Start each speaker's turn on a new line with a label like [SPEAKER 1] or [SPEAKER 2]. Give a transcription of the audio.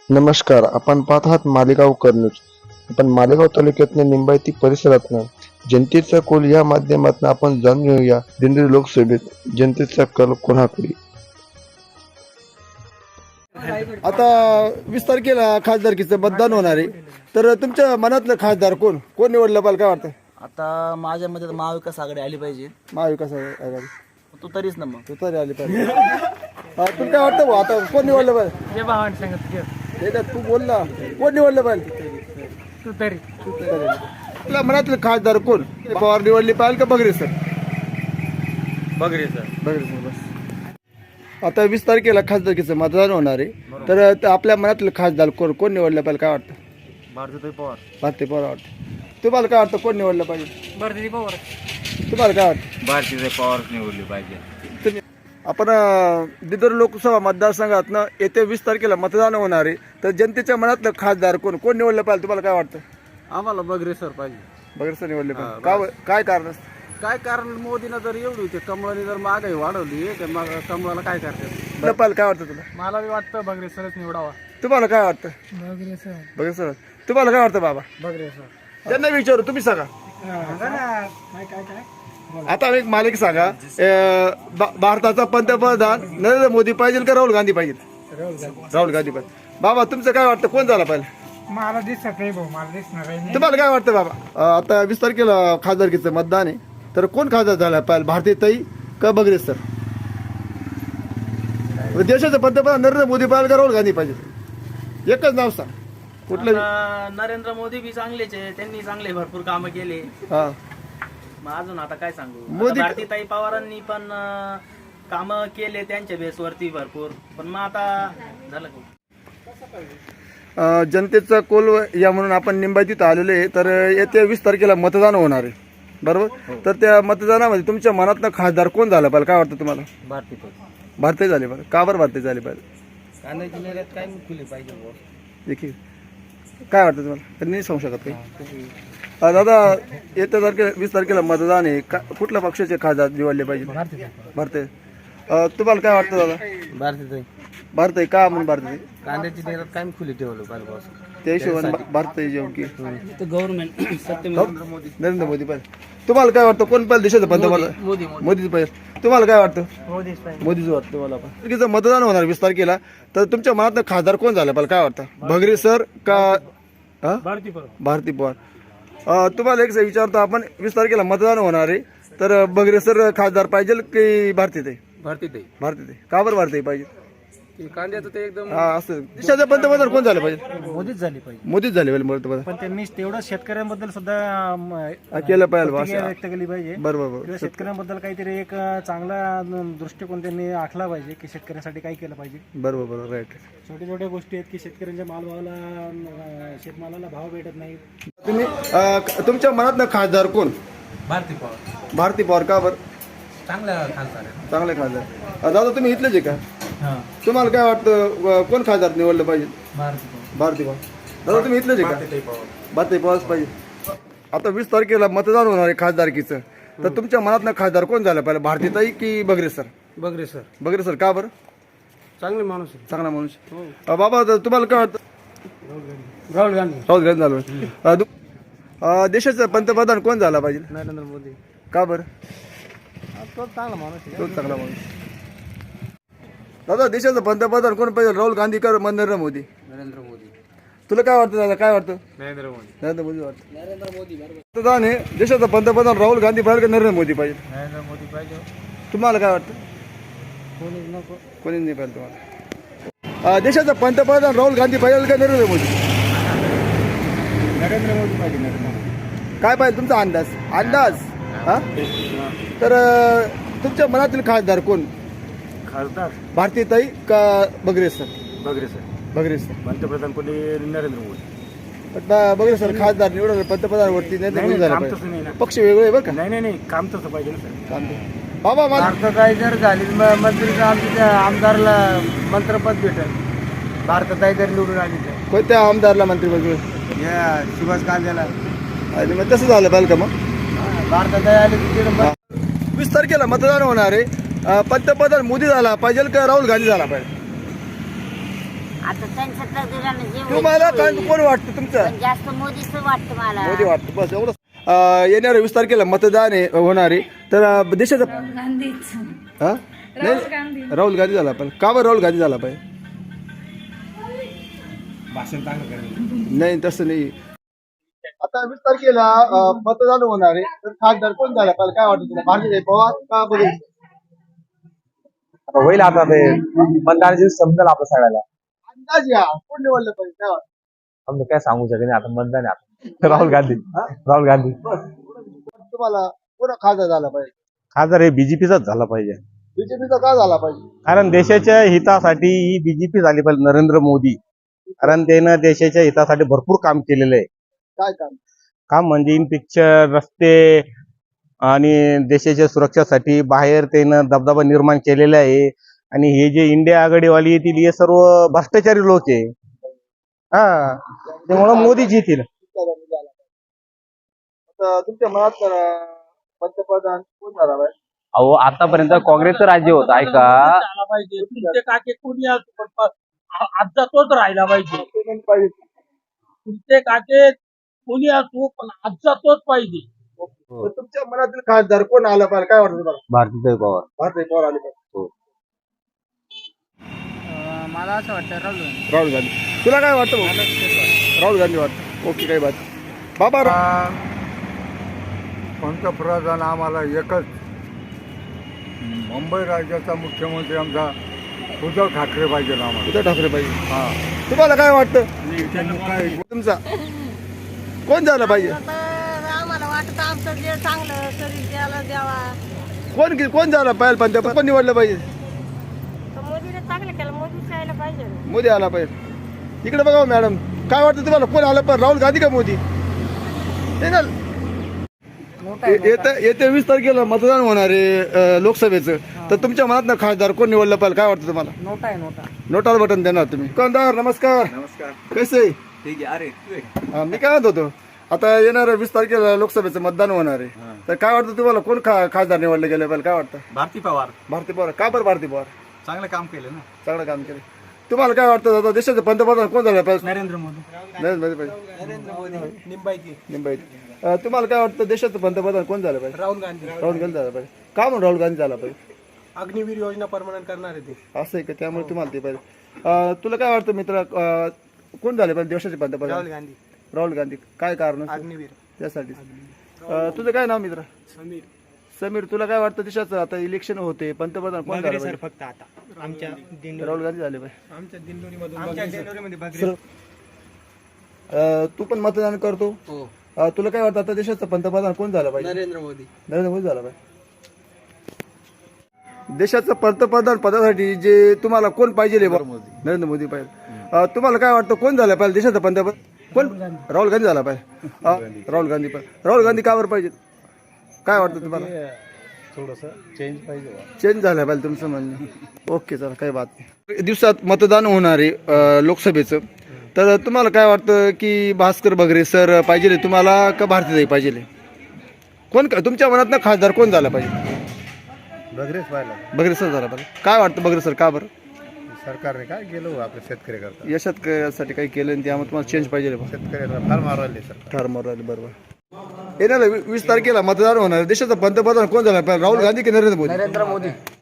[SPEAKER 1] नमस्कार, आपण पाहत आहात मालेगावकर न्यूज. आपण मालेगाव तालुक्यातल्या निंबायती परिसरातनं जनतेचा कौल या माध्यमातून आपण जाणून घेऊया. दिंडोरी लोकसभेत जनतेचा कल कोणाकडे?
[SPEAKER 2] आता 20 तारखेला खासदारकीचं मतदान होणार आहे. तर तुमच्या मनातलं खासदार कोण कोण निवडलं पाहिजे, काय वाटतं?
[SPEAKER 3] आता माझ्या मते तर महाविकास आघाडी आली पाहिजे.
[SPEAKER 2] महाविकास आघाडी
[SPEAKER 3] तू तरीच ना मग.
[SPEAKER 2] तू तरी आली पाहिजे. तुला काय वाटतं भाऊ, आता कोण निवडलं पाहिजे? हे का तू बोलला, कोण निवडलं पाहिजे?
[SPEAKER 4] तू तरी
[SPEAKER 2] आपल्या मनातलं खासदार कोण? पवार निवडली पाहिजे का बगरे सर? बगरे सर बस. आता 20 तारखेला खासदारकीचं मतदान होणार आहे. तर आपल्या मनातलं खासदार कोण निवडलं पाहिजे, काय वाटतं? भारती पवार वाटतं. तुम्हाला काय वाटतं, कोण निवडलं पाहिजे?
[SPEAKER 4] भारती पवार.
[SPEAKER 2] तुम्हाला काय वाटतं?
[SPEAKER 5] भारतीय पवार निवडली पाहिजे.
[SPEAKER 2] आपण दिंडोरी लोकसभा मतदारसंघातनं येत्या 20 तारखेला मतदान होणार आहे. तर जनतेच्या मनातलं खासदार कोण निवडलं पाहिजे, तुम्हाला काय वाटतं?
[SPEAKER 6] आम्हाला बगरे सर पाहिजे.
[SPEAKER 2] बगरे सर निवडले पाहिजे. काय कारण असतं?
[SPEAKER 6] काय कारण, मोदीनं जर एवढी ते कमळाने जर महागाई वाढवली तर मग कमळाला काय करतात?
[SPEAKER 2] पाहिजे काय वाटतं तुला?
[SPEAKER 4] मला बी वाटतं बगरे सरच निवडावा.
[SPEAKER 2] तुम्हाला काय वाटतं?
[SPEAKER 4] बगरे सर.
[SPEAKER 2] बगरे सर. तुम्हाला काय वाटतं बाबा?
[SPEAKER 4] बगरे सर.
[SPEAKER 2] त्यांना विचारू, तुम्ही सांगा.
[SPEAKER 4] काय काय काय
[SPEAKER 2] आता एक मालिक सांगा. भारताचा पंतप्रधान नरेंद्र मोदी पाहिजे का राहुल गांधी पाहिजे? राहुल गांधी पाहिजे. बाबा तुमचं काय वाटतं, कोण झाला पाहिजे?
[SPEAKER 4] मला दिसत नाही भाऊ, मला दिसणार नाही.
[SPEAKER 2] तुम्हाला काय वाटतं बाबा? आता 20 तारखेला खासदारकीचं मतदान आहे. तर कोण खासदार झाला पाहिजे, भारतीताई का बगरे सर? देशाचं पंतप्रधान नरेंद्र मोदी पाहिजे का राहुल गांधी पाहिजे? एकच नाव सांग, कुठलं?
[SPEAKER 3] नरेंद्र मोदी बी चांगलेच आहे, त्यांनी चांगले भरपूर कामं केले.
[SPEAKER 2] हा,
[SPEAKER 3] मग अजून आता काय सांगू.
[SPEAKER 2] मोदी-
[SPEAKER 3] भारतीताई पवारांनी पण कामं केले त्यांच्या बेसवरती भरपूर. पण मग आता झालं का?
[SPEAKER 2] जनतेचा कोल या म्हणून आपण निंबातीत आलेलो आहे. तर येत्या 20 तारखेला मतदान होणार आहे, बरोबर? तर त्या मतदानामध्ये तुमच्या मनातनं खासदार कोण झाला पाहिजे, काय वाटतं तुम्हाला? भारतीय झाले पाहिजे. का बरं भारतीय झाले पाहिजे?
[SPEAKER 3] कांद्याची निर्यात काय खुली पाहिजे.
[SPEAKER 2] देखील काय वाटतं तुम्हाला? त्यांनी नाही सांगू शकत काही. दादा, येत्या 20 तारखेला मतदान आहे. कुठल्या पक्षाचे खासदार निवडले पाहिजे? भारतीय. तुम्हाला काय वाटतं दादा?
[SPEAKER 6] भारतीय
[SPEAKER 2] भारतीय का म्हणून भारतीय?
[SPEAKER 6] कांद्याची निर्यात काय खुली ठेवलं पाहिजे बॉस.
[SPEAKER 2] त्या हिशोबाने भारतीय जेवण की
[SPEAKER 3] गव्हर्नमेंट सत्य
[SPEAKER 2] नरेंद्र मोदी पाहिजे. तुम्हाला काय वाटतं, कोण पाहिजे देशाचं पंतप्रधान? मोदीच पाहिजे. तुम्हाला काय वाटतं? मोदीच वाटतं तुम्हाला पण. तारखेचं मतदान होणार 20 तारखेला. तर तुमच्या मनात खासदार कोण झाला पाहिजे, काय वाटतं? बगरे सर का भारती पवार? तुम्हाला एक विचारतो आपण, 20 तारखेला मतदान होणार आहे. तर बगरे सर खासदार पाहिजे की भारतीताई? भारतीताई. का बरं भारतीताई पाहिजे?
[SPEAKER 6] कांद्याचं ते एकदम
[SPEAKER 2] हा, असं देशाचं पंतप्रधान कोण झालं पाहिजे?
[SPEAKER 4] मोदीच झाली पाहिजे.
[SPEAKER 2] मोदीच झाले पाहिजे पंतप्रधान.
[SPEAKER 4] पण त्यांनी तेवढं शेतकऱ्यांबद्दल सुद्धा
[SPEAKER 2] केलं पाहिजे
[SPEAKER 4] प्रतिक्रिया व्यक्त केली पाहिजे.
[SPEAKER 2] बरोबर.
[SPEAKER 4] किंवा शेतकऱ्यांबद्दल काहीतरी एक चांगला दृष्टिकोन त्यांनी आखला पाहिजे की शेतकऱ्यांसाठी काय केलं पाहिजे.
[SPEAKER 2] बरोबर, राईट.
[SPEAKER 4] छोट्या छोट्या गोष्टी आहेत की शेतकऱ्यांच्या मालभावाला शेतमालाला भाव भेटत नाही.
[SPEAKER 2] तुम्ही तुमच्या मनात खासदार कोण?
[SPEAKER 6] भारती पवार
[SPEAKER 2] भारती पवार. का बरं?
[SPEAKER 6] चांगल्या खासदार आहे.
[SPEAKER 2] चांगले खासदार. दादा तुम्ही इथलेच आहे का? तुम्हाला काय वाटतं, कोण खासदार निवडलं पाहिजे? भारती पवार. दादा तुम्ही इथलेच आहे का? भारती पवार पाहिजे. आता 20 तारखेला मतदान होणार आहे खासदारकीचं. तर तुमच्या मनात खासदार कोण झालं पाहिजे, भारतीताई की बगरे सर?
[SPEAKER 6] बगरे सर
[SPEAKER 2] बगरे सर. का बरं?
[SPEAKER 6] चांगले माणूस आहे.
[SPEAKER 2] चांगला माणूस. बाबा तुम्हाला काय वाटतं?
[SPEAKER 6] राहुल गांधी.
[SPEAKER 2] राहुल गांधी झालं. देशाचा पंतप्रधान कोण झाला पाहिजे?
[SPEAKER 6] नरेंद्र मोदी.
[SPEAKER 2] का बरं?
[SPEAKER 6] तो चांगला माणूस आहे.
[SPEAKER 2] तोच चांगला माणूस. दादा, देशाचा पंतप्रधान कोण पाहिजे, राहुल गांधी का नरेंद्र मोदी?
[SPEAKER 6] नरेंद्र मोदी.
[SPEAKER 2] तुला काय वाटतं दादा, काय वाटतं?
[SPEAKER 6] नरेंद्र मोदी.
[SPEAKER 2] नरेंद्र मोदी वाटतं. पंतप्रधान आहे देशाचा पंतप्रधान राहुल गांधी पाहिजे का नरेंद्र मोदी पाहिजे?
[SPEAKER 6] नरेंद्र मोदी पाहिजे.
[SPEAKER 2] तुम्हाला काय वाटतं?
[SPEAKER 6] कोणीच नको.
[SPEAKER 2] कोणी नाही पाहिजे तुम्हाला? देशाचा पंतप्रधान राहुल गांधी पाहिजे का नरेंद्र मोदी?
[SPEAKER 6] नरेंद्र मोदी पाहिजे. नरेंद्र मोदी.
[SPEAKER 2] काय पाहिजे तुमचा अंदाज? हा, तर तुमच्या मनातील खासदार कोण?
[SPEAKER 6] खासदार
[SPEAKER 2] भारतीताई का बगरे सर?
[SPEAKER 6] बगरे सर.
[SPEAKER 2] बगरे सर.
[SPEAKER 6] पंतप्रधान कोणी नरेंद्र मोदी.
[SPEAKER 2] बगरे सर खासदार निवडून पंतप्रधानवरती नरेंद्र मोदी झाला
[SPEAKER 6] काम तसं
[SPEAKER 2] पाहिजे.
[SPEAKER 6] नाही ना.
[SPEAKER 2] पक्ष वेगळे आहे बरं का?
[SPEAKER 6] नाही काम तसं पाहिजे ना सर.
[SPEAKER 2] काम ते. बाबा मला
[SPEAKER 6] भारताताई जर झाली मंत्री आमच्या आमदारला मंत्रपद भेटेल. भारताताई जर निवडून आली तर
[SPEAKER 2] कोणत्या आमदारला मंत्रिपद?
[SPEAKER 6] या सुभाष कांद्याला.
[SPEAKER 2] आणि मग तसं झालं पाहिजे का? मग
[SPEAKER 6] भारताताई आली तिकडे
[SPEAKER 2] 20 तारखेला मतदान होणार आहे. पंतप्रधान मोदी झाला पाहिजे का राहुल गांधी झाला पाहिजे?
[SPEAKER 7] आता त्यांच्या तकदीरानं जे होईल
[SPEAKER 2] तुम्हाला
[SPEAKER 7] ते
[SPEAKER 2] काय
[SPEAKER 7] होईल.
[SPEAKER 2] कोण वाटतं तुमचं
[SPEAKER 7] पण जास्त मोदीच वाटतं मला.
[SPEAKER 2] मोदी वाटतं बस एवढं. येणाऱ्या 20 तारखेला मतदान आहे होणारे तर देशाचं हा? नाही, राहुल गांधी झाला पाहिजे. का बरं राहुल गांधी झाला पाहिजे? नाही तसं नाही. आता 20 तारखेला मतदान होणार आहे तर खासदार कोण झाला पाहिजे काय वाटतं तुला? भारतीय पवार का बघेल?
[SPEAKER 8] होईल आता ते मतदानाची समजेल आपल्या सगळ्याला.
[SPEAKER 2] अंदाज या कोण निवडलं पाहिजे काय वाटतं?
[SPEAKER 8] आम्ही काय सांगू शकत नाही आता मतदान आहे आता. राहुल गांधी. राहुल गांधी
[SPEAKER 2] तुम्हाला कोण खासदार झाला पाहिजे?
[SPEAKER 8] खासदार हे बीजेपीचाच झाला पाहिजे.
[SPEAKER 2] बीजेपीचा का झाला पाहिजे?
[SPEAKER 8] कारण देशाच्या हितासाठी ही बीजेपी झाली पाहिजे, नरेंद्र मोदी. कारण त्यानं देशाच्या हितासाठी भरपूर काम केलेलं आहे.
[SPEAKER 2] काय काम?
[SPEAKER 8] काम म्हणजे इन पिक्चर, रस्ते आणि देशाच्या सुरक्षेसाठी बाहेर त्यानं दबदबा निर्माण केलेला आहे. आणि हे जे इंडिया आघाडीवाली येतील हे सर्व भ्रष्टाचारी लोक आहे. हा त्यामुळे मोदीच येतील.
[SPEAKER 2] आता तुमच्या मनात पंतप्रधान कोण झाला पाहिजे?
[SPEAKER 5] अहो आतापर्यंत काँग्रेसचं राज्य होतं ऐका.
[SPEAKER 9] तुमचे काके कोणी असो पण आजचा तोच राहिला पाहिजे. तुमचे काके कोणी असो पण आजचा तोच पाहिजे.
[SPEAKER 2] तर तुमच्या मनातील खासदार कोण आला पाहिजे काय वाटतं तुम्हाला?
[SPEAKER 8] भारतीय पवार.
[SPEAKER 2] भारतीय पवार आले पाहिजे.
[SPEAKER 6] मला असं वाटतं
[SPEAKER 2] राहुल गांधी. तुला काय वाटतं भाऊ? राहुल गांधी वाटतं. ओके काही बात. बाबा
[SPEAKER 10] पंतप्रधान आम्हाला एकच मुंबई राज्याचा मुख्यमंत्री आमचा उद्धव ठाकरे पाहिजे आम्हाला.
[SPEAKER 2] उद्धव ठाकरे पाहिजे.
[SPEAKER 10] हा
[SPEAKER 2] तुम्हाला काय वाटतं?
[SPEAKER 10] काय
[SPEAKER 2] तुमचा कोण झालं पाहिजे?
[SPEAKER 7] आम्हाला वाटतं आमचं जे चांगलं शरीर द्यायला द्यावा.
[SPEAKER 2] कोण झालं पाहिजे? पंतप्रधान कोण निवडलं पाहिजे?
[SPEAKER 7] तर मोदीने चांगलं केलं. मोदीच यायला पाहिजे.
[SPEAKER 2] मोदी आला पाहिजे. इकडे बघा मॅडम काय वाटतं तुम्हाला कोण आलं पाहिजे? राहुल गांधी का मोदी? नाही ना. येत्या 20 तारखेला मतदान होणार आहे लोकसभेचं तर तुमच्या मनात खासदार कोण निवडलं पाहिजे काय वाटतं तुम्हाला?
[SPEAKER 6] नोटा आहे नोटा.
[SPEAKER 2] नोटाला बटन देणार तुम्ही. दुकानदार नमस्कार.
[SPEAKER 5] नमस्कार.
[SPEAKER 2] कैसे?
[SPEAKER 5] ठीक आहे. अरे
[SPEAKER 2] मी काय म्हणत होतो आता येणाऱ्या 20 तारखेला लोकसभेचं मतदान होणार आहे तर काय वाटतं तुम्हाला कोण खासदार निवडले गेले पाहिजे काय वाटतं?
[SPEAKER 5] भारती पवार
[SPEAKER 2] भारती पवार. का बरं भारती पवार?
[SPEAKER 5] चांगलं काम केलं ना.
[SPEAKER 2] चांगलं काम केलं. तुम्हाला काय वाटतं आता देशाचं पंतप्रधान कोण झालं पाहिजे?
[SPEAKER 6] नरेंद्र मोदी.
[SPEAKER 2] नरेंद्र मोदी पाहिजे.
[SPEAKER 6] नरेंद्र मोदी. निंबाईची.
[SPEAKER 2] मुंबईत तुम्हाला काय वाटतं देशाचं पंतप्रधान कोण झालं पाहिजे?
[SPEAKER 6] राहुल गांधी.
[SPEAKER 2] राहुल गांधी झाला पाहिजे. का म्हणून राहुल गांधी झाला पाहिजे?
[SPEAKER 6] अग्निवीर योजना परमनंट करणार आहे ते.
[SPEAKER 2] असं आहे का त्यामुळे तुम्हाला ते पाहिजे. तुला काय वाटतं मित्र कोण झाले पाहिजे देशाचे पंतप्रधान?
[SPEAKER 6] राहुल गांधी.
[SPEAKER 2] राहुल गांधी. काय कारण
[SPEAKER 6] अग्निवीर.
[SPEAKER 2] त्यासाठी? तुझं काय नाव मित्र?
[SPEAKER 6] समीर.
[SPEAKER 2] समीर तुला काय वाटतं देशाचं आता इलेक्शन होते पंतप्रधान कोण झालं पाहिजे?
[SPEAKER 6] फक्त आता आमच्या
[SPEAKER 2] राहुल गांधी झाले पाहिजे.
[SPEAKER 6] आमच्या दिंडोरीमध्ये
[SPEAKER 2] तू पण मतदान करतो. तुला काय वाटतं आता देशाचं पंतप्रधान कोण झालं पाहिजे?
[SPEAKER 6] नरेंद्र मोदी.
[SPEAKER 2] नरेंद्र मोदी झाला पाहिजे. देशाचं पंतप्रधान पदासाठी जे तुम्हाला कोण पाहिजे? नरेंद्र मोदी पाहिजे. तुम्हाला काय वाटतं कोण झालं पाहिजे देशाचं पंतप्रधान? कोण? राहुल गांधी झाला पाहिजे. राहुल गांधी पाहिजे. राहुल गांधी का बरं पाहिजे काय वाटतं तुम्हाला?
[SPEAKER 4] थोडस चेंज पाहिजे.
[SPEAKER 2] चेंज झालं पाहिजे तुमचं म्हणणं. ओके चला काही बात नाही. दिवसात मतदान होणार आहे लोकसभेचं तर तुम्हाला काय वाटतं की भास्कर बगरे सर पाहिजे तुम्हाला का भारतीताई पाहिजे? कोण तुमच्या मनात खासदार कोण झाला पाहिजे?
[SPEAKER 10] बगरेच पाहिला.
[SPEAKER 2] बगरे सर झाला पाहिजे. काय वाटतं बगरे सर का बरं?
[SPEAKER 10] सरकारने काय केलं आपल्या शेतकरी करता?
[SPEAKER 2] या शेतकऱ्यासाठी काही केलं आणि त्यामुळे तुम्हाला चेंज पाहिजे?
[SPEAKER 10] शेतकऱ्याला फार मारले सरकार.
[SPEAKER 2] ठार मारले. बरोबर. येणाऱ्या 20 तारखेला मतदान होणार देशाचं पंतप्रधान कोण झाला पाहिजे? राहुल गांधी की नरेंद्र मोदी?
[SPEAKER 6] नरेंद्र मोदी.